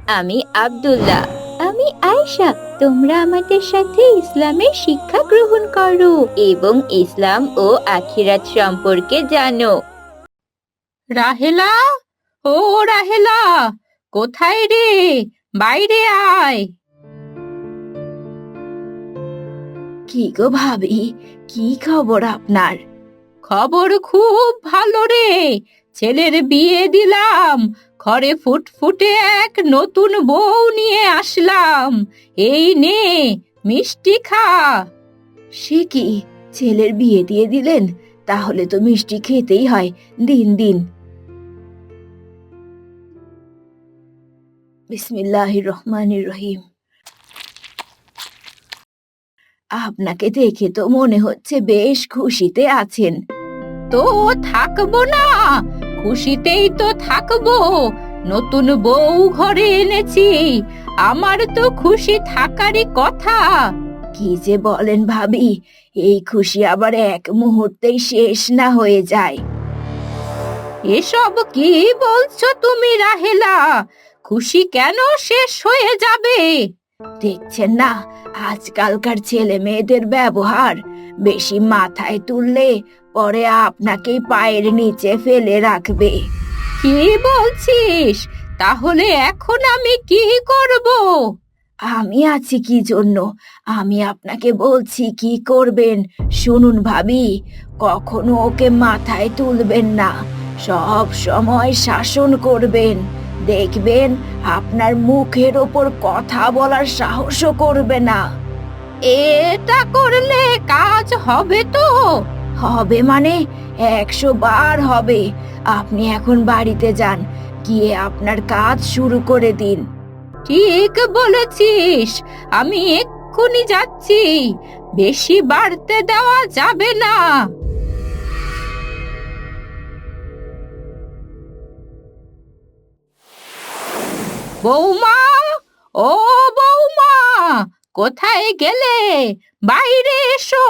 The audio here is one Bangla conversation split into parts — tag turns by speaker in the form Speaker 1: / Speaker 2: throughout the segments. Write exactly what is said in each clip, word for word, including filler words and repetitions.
Speaker 1: আমি আব্দুল্লাহ। আমি আয়েশা। তোমরা আমাদের সাথে ইসলামের শিক্ষা গ্রহণ করো এবং ইসলাম ও আখিরাত সম্পর্কে জানো।
Speaker 2: রাহেলা, ও রাহেলা, কোথায় রে? বাইরে আয়।
Speaker 1: কি গো ভাবি, কি খবর আপনার?
Speaker 2: খবর খুব ভালো রে। ছেলের বিয়ে দিলাম, ঘরে ফুটফুটে এক নতুন বউ নিয়ে আসলাম। এই নে, মিষ্টি খা।
Speaker 1: সে কি, ছেলের বিয়ে দিয়ে দিলেন? তাহলে তো মিষ্টি খেতেই হয়। দিন দিন। বিসমিল্লাহির রহমানির রহিম। আপনাকে দেখে তো মনে হচ্ছে বেশ খুশিতে আছেন।
Speaker 2: তো থাকবো না, খুশিতেই তো থাকবো। নতুন বউ ঘরে এনেছি, আমার তো খুশি থাকারই কথা।
Speaker 1: কি যে বলেন ভাবি, এই খুশি আবার এক মুহূর্তেই শেষ না হয়ে যায়।
Speaker 2: এসব কি বলছো তুমি রাহেলা? খুশি কেন শেষ হয়ে যাবে?
Speaker 1: দেখছেন না আজকালকার ছেলে মেয়েদের ব্যবহার, বেশি মাথায় তুললে পরে আপনাকেই পায়ের নিচে ফেলে রাখবে।
Speaker 2: কি বলছিস? তাহলে এখন আমি কি করব?
Speaker 1: আমি আছি কি জন্য? আমি আপনাকে বলছি কি করবেন। শুনুন ভাবি, কখনো ওকে মাথায় তুলবেন না, সব সময় শাসন করবেন। দেখবেন আপনার মুখের ওপর কথা বলার সাহসও করবে না।
Speaker 2: এটা করলে কাজ হবে তো?
Speaker 1: হবে মানে একশো বার হবে। আপনি এখন বাড়িতে যান, গিয়ে আপনার কাজ শুরু করে দিন।
Speaker 2: ঠিক বলেছিস, আমি এক্ষুনি যাচ্ছি। বেশি বাড়তে দেওয়া যাবে না। বৌমা, ও বৌমা, কোথায় গেলে? বাইরে এসো।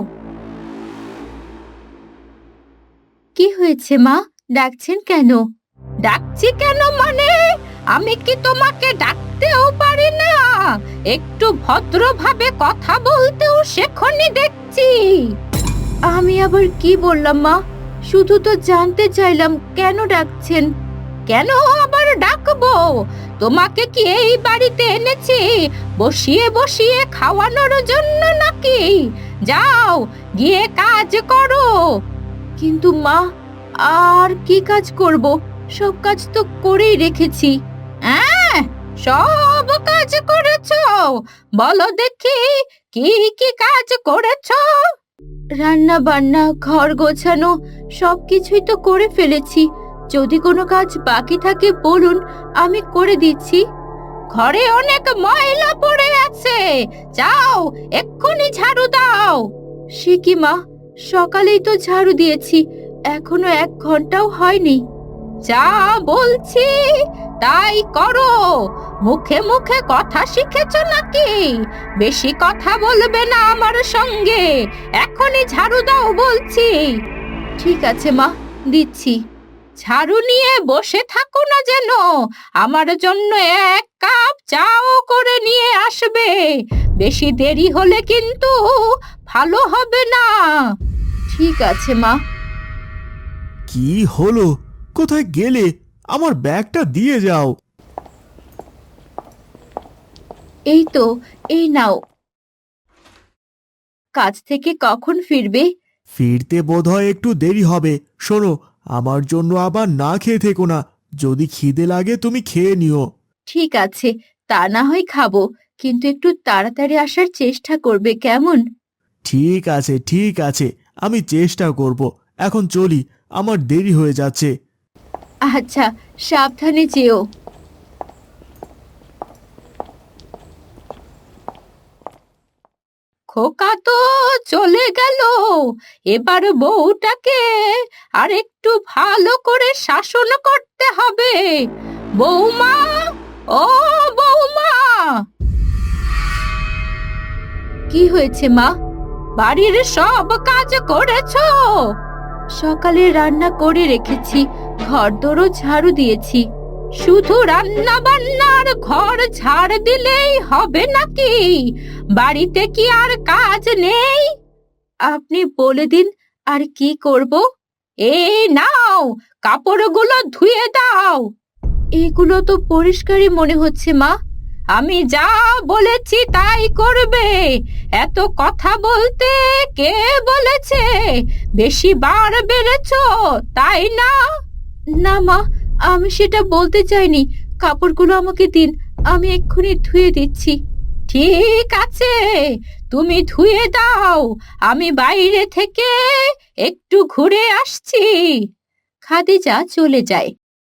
Speaker 1: কি হয়েছে মা, ডাকছেন কেন?
Speaker 2: ডাকছি কেন মানে, আমি কি তোমাকে ডাকতেও পারি না? একটু ভদ্রভাবে কথা বলতেও শেখনি দেখছি।
Speaker 1: আমি আবার কি বললাম মা? শুধু তো জানতে চাইলাম কেন ডাকছেন।
Speaker 2: কেন আবার ডাকবো? তোমাকে কি এই বাড়িতে এনেছি বসিয়ে বসিয়ে খাওয়ানোর জন্য নাকি? যাও, গিয়ে কাজ করো।
Speaker 1: কিন্তু মা, আর কি কাজ করব? সব কাজ তো করেই রেখেছি।
Speaker 2: হ্যাঁ, সব কাজ করেছো? বলো দেখি, কি কি কাজ করেছো?
Speaker 1: রান্না বান্না, ঘর গোছানো সবকিছুই তো করে ফেলেছি। যদি কোনো কাজ বাকি থাকে বলুন, আমি করে দিচ্ছি।
Speaker 2: ঘরে অনেক ময়লা পড়ে আছে, যাও এক্ষুনি ঝাড়ু দাও।
Speaker 1: সে কি মা, সকালেই তো ঝাড়ু দিয়েছি, এখনো এক ঘন্টাও হয়নি।
Speaker 2: যা বলছি তাই করো। মুখে মুখে কথা শিখেছো নাকি? বেশি কথা বলবে না আমার সঙ্গে। এখনই ঝাড়ু দাও বলছি।
Speaker 1: ঠিক আছে মা, দিচ্ছি।
Speaker 2: ঝাড়ু নিয়ে বসে থাকো না যেন। আমার জন্য এক কাপ চাও করে নিয়ে আসবে। বেশি দেরি হলে কিন্তু ভালো হবে না।
Speaker 1: ঠিক আছে মা।
Speaker 3: কি হলো? কোথায় গেলে? আমার ব্যাগটা দিয়ে যাও।
Speaker 1: এই তো, এই নাও। কাজ থেকে কখন ফিরবে?
Speaker 3: ফিরতে বোধহয় একটু দেরি হবে। শোনো, আমার জন্য আবার না খেয়ে থেকো না। যদি খিদে লাগে তুমি খেয়ে নিও।
Speaker 1: ঠিক আছে, তা না হয় খাবো, কিন্তু একটু তাড়াতাড়ি আসার চেষ্টা করবে কেমন?
Speaker 3: ঠিক আছে ঠিক আছে, আমি চেষ্টা করব। এখন চলি, আমার দেরি হয়ে যাচ্ছে।
Speaker 1: আচ্ছা, সাবধানে যেও।
Speaker 2: খোকা তো চলে গেল। এবার বউটাকে আর একটু ভালো করে শাসন করতে হবে। বৌমা, ও বৌমা।
Speaker 1: কি হয়েছে মা?
Speaker 2: বাড়ির সব কাজ করেছো?
Speaker 1: সকালে রান্না করে রেখেছি, ঘরদোরও ঝাড়ু দিয়েছি।
Speaker 2: শুধু রান্না বান্নার ঘর ঝাড় দিলেই হবে নাকি? বাড়িতে কি আর কাজ নেই? আপনি বলে দিন আর কি করব? এই নাও, কাপড়গুলো ধুয়ে দাও। এগুলো তো পরিষ্কারই মনে হচ্ছে মা। আমি যা বলেছি তাই করবে। এত কথা বলতে কে বলেছে? বেশি বার বেড়েছো, তাই না? না মা, আমি সেটা বলতে চাইনি। কাপড়গুলো আমাকে দিন, আমি এক্ষুনি ধুয়ে দিচ্ছি। ঠিক আছে, তুমি ধুয়ে দাও, আমি বাইরে থেকে একটু ঘুরে আসছি। খাদিজা চলে যায়।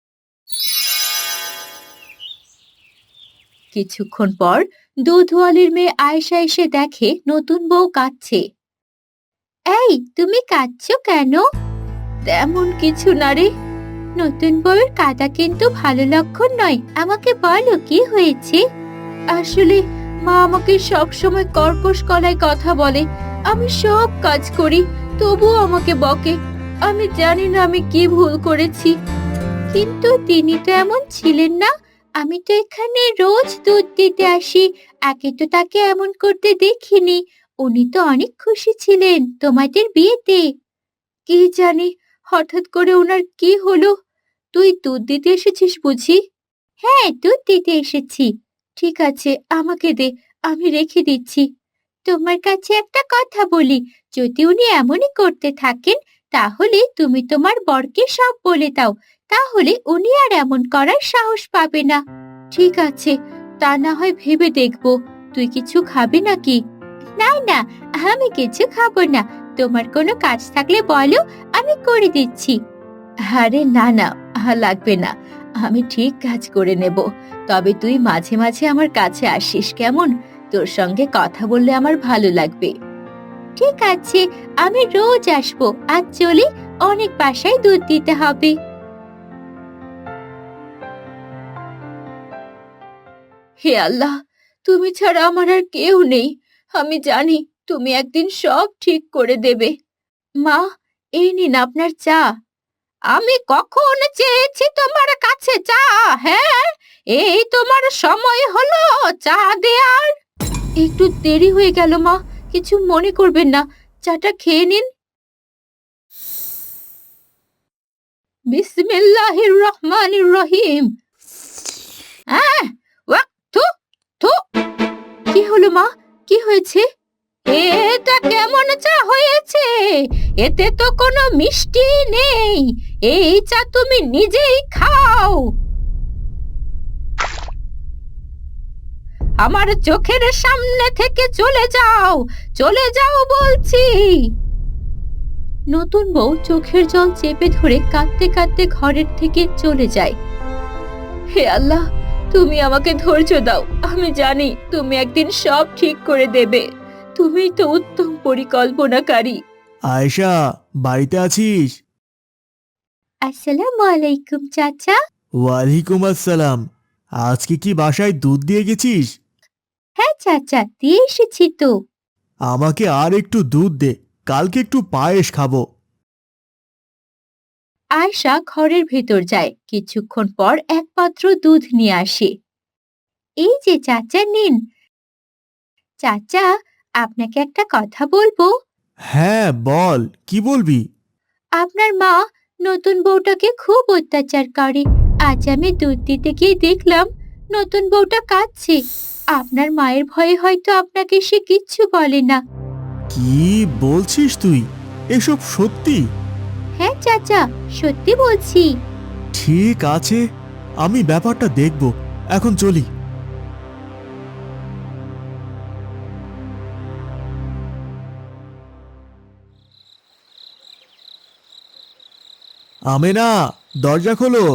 Speaker 2: কিছুক্ষণ পর দুধওয়ালির মেয়ে আয়েশা এসে দেখে নতুন বউ কাঁদছে। এই, তুমি কাঁদছো কেন? তেমন কিছু না রে। নতুন বউয়ের কাঁদা কিন্তু ভালো লক্ষণ নয়। আমাকে বলো কি হয়েছে? আসলে মা আমাকে সব সময় কর্কশ গলায় কথা বলে। আমি সব কাজ করি, তবুও আমাকে বকে। আমি জানি না আমি কি ভুল করেছি। কিন্তু তিনি তো এমন ছিলেন না। আমি তো এখানে রোজ দুধ দিতে আসি, আগে তো তাকে এমন করতে দেখিনি। উনি তো অনেক খুশি ছিলেন তোমাদের বিয়েতে। কি জানি হঠাৎ করে ওনার কি হলো। তুই দুধ দিতে এসেছিস বুঝি? হ্যাঁ, দুধ দিতে এসেছি। ঠিক আছে, আমাকে দে, আমি রেখে দিচ্ছি। তোমার কাছে একটা কথা বলি, যদি উনি এমনই করতে থাকেন তাহলে তুমি তোমার বরকে সব বলে দাও। তাহলে উনি আর এমন করার সাহস পাবে না। ঠিক আছে, তা না হয় ভেবে দেখব। তুই কিছু খাবি নাকি? না না, আমি কিছু খাবো না। তোমার কোনো কাজ থাকলে বলো, আমি করে দিচ্ছি। আরে না না, আহা, লাগবে না। আমি ঠিক কাজ করে নেব। তবে তুই মাঝে মাঝে আমার কাছে আসিস কেমন? তোর সঙ্গে কথা বললে আমার ভালো লাগবে। ঠিক আছে, আমি রোজ আসবো। আজ চলি, অনেক বাসায় দুধ দিতে হবে। হে আল্লাহ, তুমি ছাড়া আমার আর কেউ নেই। আমি জানি তুমি একদিন সব ঠিক করে দেবে। মা, এই নিন আপনার চা। আমি কখন চেয়েছি তোমার কাছে চা? হ্যাঁ, এই তোমার সময় হলো চা দেয়ার? একটু দেরি হয়ে গেল মা, কিছু মনে করবেন না। চাটা খেয়ে নিন। বিসমিল্লাহির রহমানির রহিম। আহ, ওয়াক, থু, থু। কি হলো মা, কি হয়েছে? এটা কেমন চা হয়েছে? এতে তো কোনো মিষ্টি নেই। এই চা তুমি নিজেই খাও। আমার চোখের সামনে থেকে চলে যাও, চলে যাও বলছি। নতুন বউ চোখের জল চেপে ধরে কাঁদতে কাঁদতে ঘরের থেকে চলে যায়। হে আল্লাহ, তুমি আমাকে ধৈর্য দাও। আমি জানি তুমি একদিন সব ঠিক করে দেবে। তুমিই তো উত্তম পরিকল্পনাকারী।
Speaker 3: আয়েশা, বাড়িতে আছিস?
Speaker 2: আসসালামু আলাইকুম চাচা।
Speaker 3: ওয়ালাইকুম আসসালাম। আজকে কি বাসায় দুধ দিয়ে গেছিস?
Speaker 2: হ্যাঁ চাচা, দিয়ে এসেছি তো।
Speaker 3: আমাকে আর একটু দুধ দে, কালকে একটু পায়েস খাবো।
Speaker 2: আয়শা ঘরের ভেতর যায়। কিছুক্ষণ পর এক পাত্র দুধ নিয়ে আসে। এই যে চাচা, নিন। চাচা, আপনাকে একটা কথা বলবো।
Speaker 3: হ্যাঁ বল, কি বলবি?
Speaker 2: আপনার মা নতুন বউটাকে খুব অত্যাচার করে। আজ আমি দুধ দিতে গিয়ে দেখলাম নতুন বউটা কাঁদছে। আপনার মায়ের ভয়ে হয়তো আপনাকে সে কিচ্ছু বলে না।
Speaker 3: কি বলছিস তুই? এসব সত্যি?
Speaker 2: হ্যাঁ চাচা, সত্যি বলছি।
Speaker 3: ঠিক আছে, আমি ব্যাপারটা দেখব। এখন চলি। আমেনা, দরজা খোলো।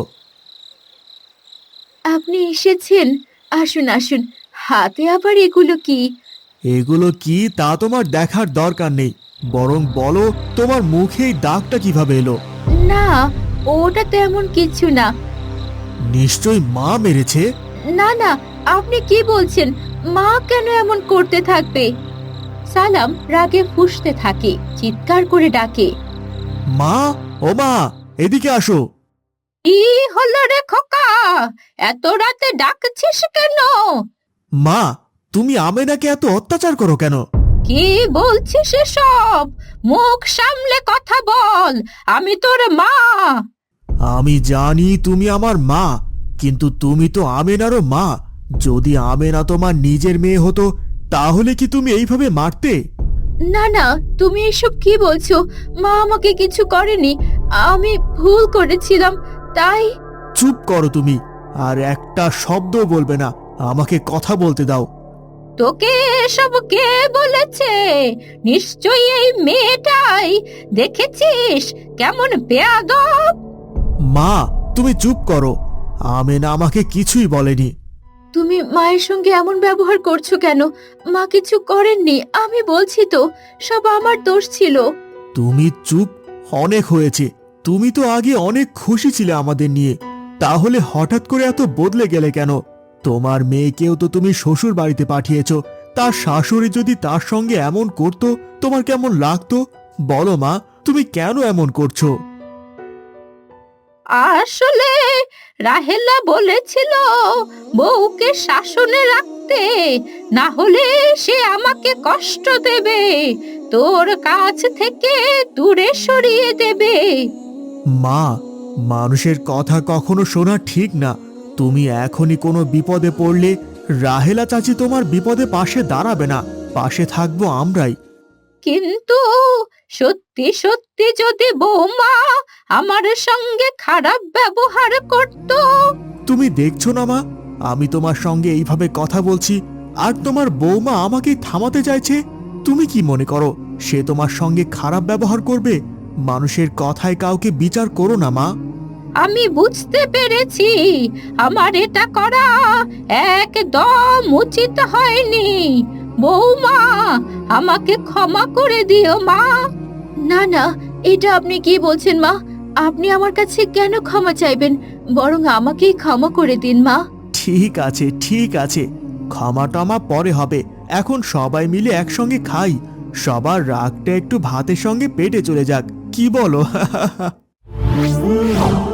Speaker 2: আপনি এসেছেন? আসুন আসুন। হাতে আবার এগুলো কি?
Speaker 3: এগুলো কি তা তোমার দেখার দরকার নেই, বরং বলো তোমার মুখেই দাগটা কিভাবে এলো?
Speaker 2: না, ওটা তেমন কিছু না।
Speaker 3: নিশ্চয়ই মা মেরেছে।
Speaker 2: না না, আপনি কি বলছেন? মা কেন এমন করতে থাকবে? সালাম রাগে ফুঁসতে থাকে, চিৎকার করে ডাকে,
Speaker 3: মা, ও মা, এদিকে আসো।
Speaker 2: কি হলো রে খোকা? এত রাতে ডাকছিস কেন?
Speaker 3: মা, তুমি আমেনাকে এত অত্যাচার করো কেন?
Speaker 2: কি বলছিস এসব? মুখ সামলে কথা বল, আমি তোর মা।
Speaker 3: আমি জানি তুমি আমার মা, কিন্তু তুমি তো আমেনারও মা। যদি আমেনা তোমার নিজের মেয়ে হতো তাহলে কি তুমি এইভাবে মারতে?
Speaker 1: না না, তুমি এসব কি বলছো? মা আমাকে কিছু করেনি, আমি ভুল করেছিলাম তাই।
Speaker 3: চুপ করো তুমি, আর একটা শব্দ বলবে না। আমাকে কথা বলতে দাও।
Speaker 2: তোকে এসব কে বলেছে? নিশ্চয়ই এই মেয়েটাই। দেখেছিস কেমন বেয়াদব?
Speaker 3: মা, তুমি চুপ করো। আমেনা আমাকে কিছুই বলেনি।
Speaker 1: তুমি মায়ের সঙ্গে এমন ব্যবহার করছো কেন? মা কিছু করেননি, আমি বলছি তো, সব আমার দোষ ছিল।
Speaker 3: তুমি চুপ। অনেক হয়েছে। তুমি তো আগে অনেক খুশি ছিলে আমাদের নিয়ে, তাহলে হঠাৎ করে এত বদলে গেলে কেন? তোমার মেয়েকেও তো তুমি শ্বশুর বাড়িতে পাঠিয়েছো। তার শাশুড়ি যদি তার সঙ্গে এমন করতো তোমার কেমন লাগতো? বলো মা, তুমি কেন এমন করছো?
Speaker 2: আসলে রাহেলা বলেছিল বউকে শাসনে রাখতে, না হলে সে আমাকে কষ্ট দেবে, তোর কাছ থেকে দূরে সরিয়ে দেবে।
Speaker 3: মা, মানুষের কথা কখনো শোনা ঠিক না। তুমি এখনই কোনো বিপদে পড়লে রাহেলা চাচি তোমার বিপদে পাশে দাঁড়াবে না, পাশে থাকবো আমরাই।
Speaker 2: কিন্তু সত্যি সত্যি যদি বৌমা আমার সঙ্গে খারাপ ব্যবহার করত?
Speaker 3: তুমি দেখছো না মা, আমি তোমার সঙ্গে এইভাবে কথা বলছি, আর তোমার বৌমা আমাকে থামাতে চাইছে। তুমি কি মনে করো সে তোমার সঙ্গে খারাপ ব্যবহার করবে? মানুষের কথায় কাউকে বিচার করো না মা।
Speaker 2: আমি বুঝতে পেরেছি আমার এটা করা একদম উচিত হয়নি। বৌমা, আমাকে ক্ষমা করে দিও মা।
Speaker 1: না না, এটা আপনি কি বলছেন মা? আপনি আমার কাছে কেন ক্ষমা চাইবেন? বরং আমাকেই ক্ষমা করে দিন মা।
Speaker 3: ঠিক আছে, ঠিক আছে, ক্ষমা টমা পরে হবে। এখন সবাই মিলে একসঙ্গে খাই। সবার রাগটা একটু ভাতের সঙ্গে পেটে চলে যাক, কি বলো?